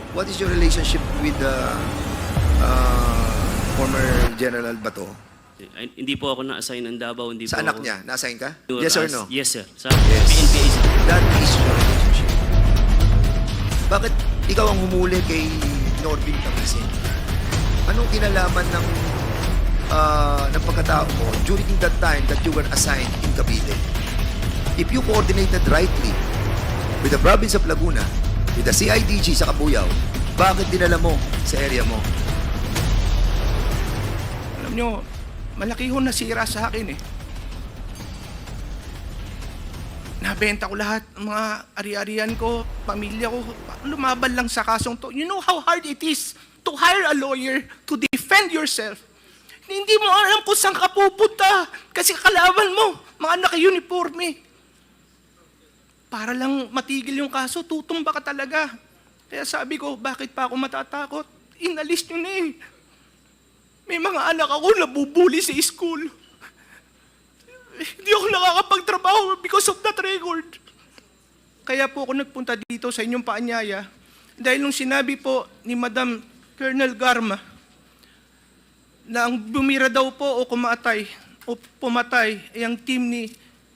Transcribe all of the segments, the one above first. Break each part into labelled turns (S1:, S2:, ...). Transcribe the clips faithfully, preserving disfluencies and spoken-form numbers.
S1: What is your relationship with the uh, former General Bato?
S2: Ay, hindi po ako na-assign ng Davao. Hindi
S1: Sa
S2: po
S1: anak
S2: ako,
S1: niya, na-assign ka?
S2: Or
S1: Yes or
S2: as-
S1: no?
S2: Yes, sir. Sa
S1: Yes.
S2: P N P A, sir.
S1: That is your relationship. Bakit ikaw ang humuli kay Norbin Tamisin? Anong kinalaman ng uh, ng pagkatao mo during that time that you were assigned in Cavite? If you coordinated rightly with the province of Laguna, with the C I D G sa Cabuyao, bakit dinala mo sa area mo?
S3: Alam nyo, malaki ho nasira sa akin eh. Nabenta ko lahat ng mga ari-arian ko, pamilya ko, lumaban lang sa kasong to. You know how hard it is to hire a lawyer to defend yourself. Hindi mo alam kung saan ka pupunta kasi kalaban mo, mga naka-uniforme. Para lang matigil yung kaso, tutumba ka talaga. Kaya sabi ko, bakit pa ako matatakot? Inalis nyo na eh. May mga anak ako nabubuli sa school. Hindi ako nakakapagtrabaho because of that record. Kaya po ako nagpunta dito sa inyong paanyaya dahil nung sinabi po ni Madam Colonel Garma na ang bumira daw po o kumatay o pumatay ay ang team ni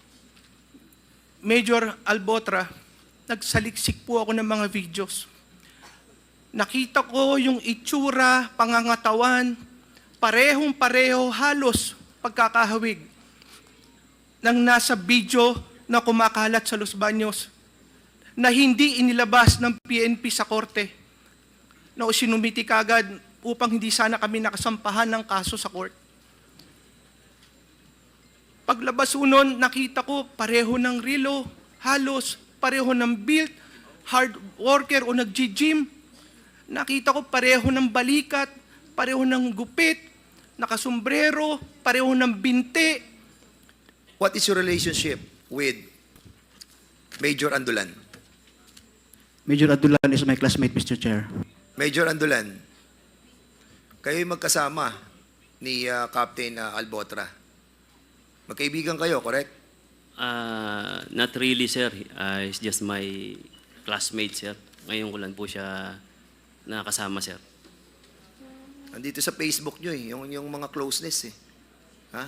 S3: Major Albotra, nagsaliksik po ako ng mga videos. Nakita ko yung itsura, pangangatawan, parehong-pareho halos pagkakahawig ng nasa video na kumakalat sa Los Baños na hindi inilabas ng P N P sa korte na sinumiti kagad upang hindi sana kami nakasampahan ng kaso sa court. Paglabas unon, nakita ko pareho ng relo, halos pareho ng build, hard worker o nag-gym. Nakita ko pareho ng balikat, pareho ng gupit, nakasombrero, pareho ng binte.
S1: What is your relationship with Major Andulan?
S4: Major Adulan is my classmate, Mister Chair.
S1: Major Andulan, kayo'y magkasama ni uh, Captain uh, Albotra. Magkaibigan kayo, correct?
S2: Ah, not really, sir. Ah, he's just my classmate, sir. Ngayon ko lang po siya nakasama, sir.
S1: Andito sa Facebook nyo eh, yung, yung mga closeness eh. Ha?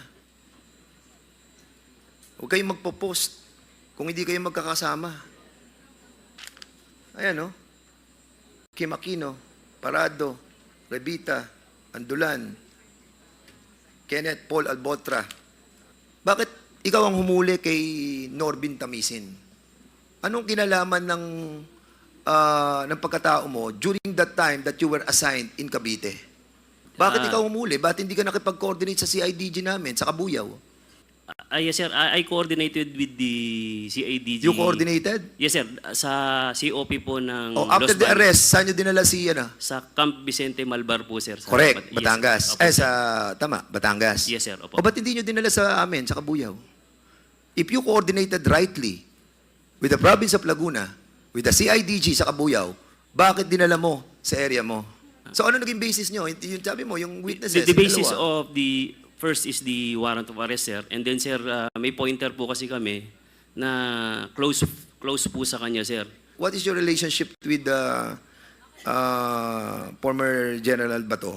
S1: Huwag kayong magpo-post kung hindi kayo magkakasama. Ayan, no? Kim Aquino, Parado, Revita, Andulan, Kenneth Paul Albotra. Bakit ikaw ang humuli kay Norbin Tamisin? Anong kinalaman ng uh, ng pagkatao mo during that time that you were assigned in Cavite? Bakit
S2: Ah.
S1: ikaw humuli? Bakit hindi ka nakipag-coordinate sa C I D G namin, sa Cabuyao?
S2: Ah, yes, sir. I, I coordinated with the C I D G.
S1: You coordinated?
S2: Yes, sir. Sa C O P po ng
S1: O after
S2: Los
S1: the
S2: Baños.
S1: arrest, saan nyo dinala si, ano?
S2: Sa Camp Vicente Malbar po, sir. Sa
S1: Correct,
S2: Bat- yes,
S1: Batangas.
S2: sir. Opo,
S1: Eh,
S2: sir.
S1: sa, tama, Batangas.
S2: Yes, sir. Opo.
S1: O ba't hindi nyo dinala sa amin, sa Cabuyao? If you coordinated rightly with the province of Laguna, with the C I D G sa Cabuyao, bakit dinala mo sa area mo? So ano naging basis nyo? Yung, yung sabi mo, yung witnesses,
S2: The, the basis
S1: dalawa.
S2: of the first is the warrant of arrest, sir. And then, sir, uh, may pointer po kasi kami na close close po sa kanya, sir.
S1: What is your relationship with the uh, former General Bato?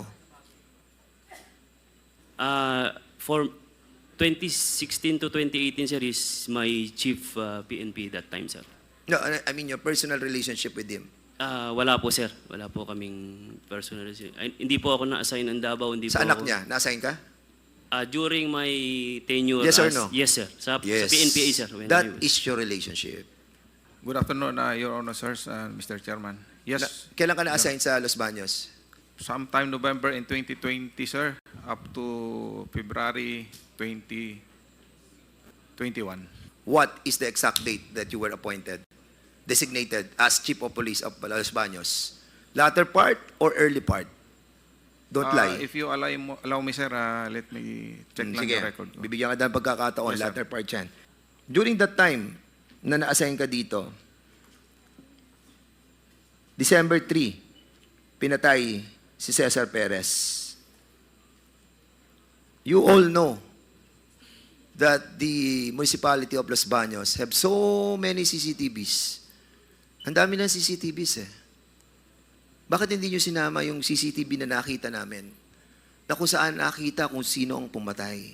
S2: Uh, for twenty sixteen to twenty eighteen, sir, is my chief uh, P N P that time, sir.
S1: No, I mean your personal relationship with him.
S2: Uh, wala po, sir. Wala po kaming personal. Ay, hindi po ako na-assign ng Davao. Hindi
S1: Sa
S2: po
S1: anak
S2: ako,
S1: niya, na-assign ka?
S2: Uh, during my tenure
S1: Yes or
S2: as-
S1: no?
S2: Yes, sir. Sa,
S1: Yes.
S2: sa P N P A, sir. when I
S1: That
S2: was-
S1: is your relationship.
S5: Good afternoon, uh, Your Honor, sirs, uh, Mister Chairman. Yes,
S1: Na, kailan ka na-assign sa Los Baños?
S5: sometime November in twenty twenty, sir, up to February twenty twenty-one.
S1: What is the exact date that you were appointed, designated as Chief of Police of Los Baños? Latter part or early part? Don't
S5: Uh,
S1: lie.
S5: If you allow, mo- allow me, sir, uh, let me check
S1: Hmm,
S5: lang
S1: Sige,
S5: the record. ko.
S1: bibigyan ka ng pagkakataon,
S5: Yes, sir.
S1: latter part yan. During that time na na-assign ka dito, December third, pinatay si Cesar Perez. You all know that the municipality of Los Baños have so many C C T Vs. Ang dami ng C C T Vs eh. Bakit hindi nyo sinama yung C C T V na nakita namin? Na kung saan nakita kung sino ang pumatay?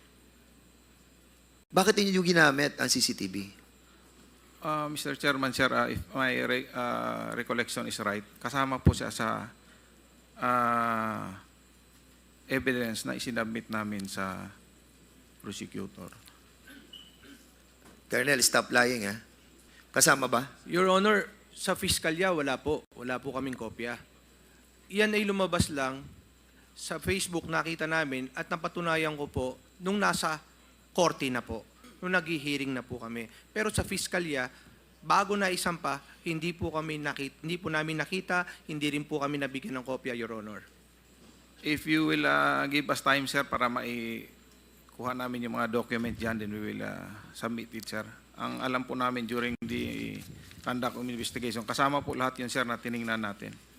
S1: Bakit hindi nyo ginamit ang C C T V?
S5: Uh, Mister Chairman, sir, uh, if my re- uh, recollection is right, kasama po siya sa uh, evidence na isinabmit namin sa prosecutor.
S1: Colonel, stop lying, ha? Kasama ba?
S3: Your Honor, sa fiskalya, wala po. Wala po kaming kopya. Iyan ay lumabas lang sa Facebook, nakita namin at napatunayan ko po nung nasa korte na po, nung nag-hearing na po kami. Pero sa fiskalya, bago na isampa, hindi po kami nakita, hindi po namin nakita, hindi rin po kami nabigyan ng kopya, Your Honor.
S5: If you will uh, give us time, sir, para maikuha namin yung mga document dyan, then we will uh, submit it, sir. Ang alam po namin during the conduct of investigation, kasama po lahat yun, sir, na tiningnan natin.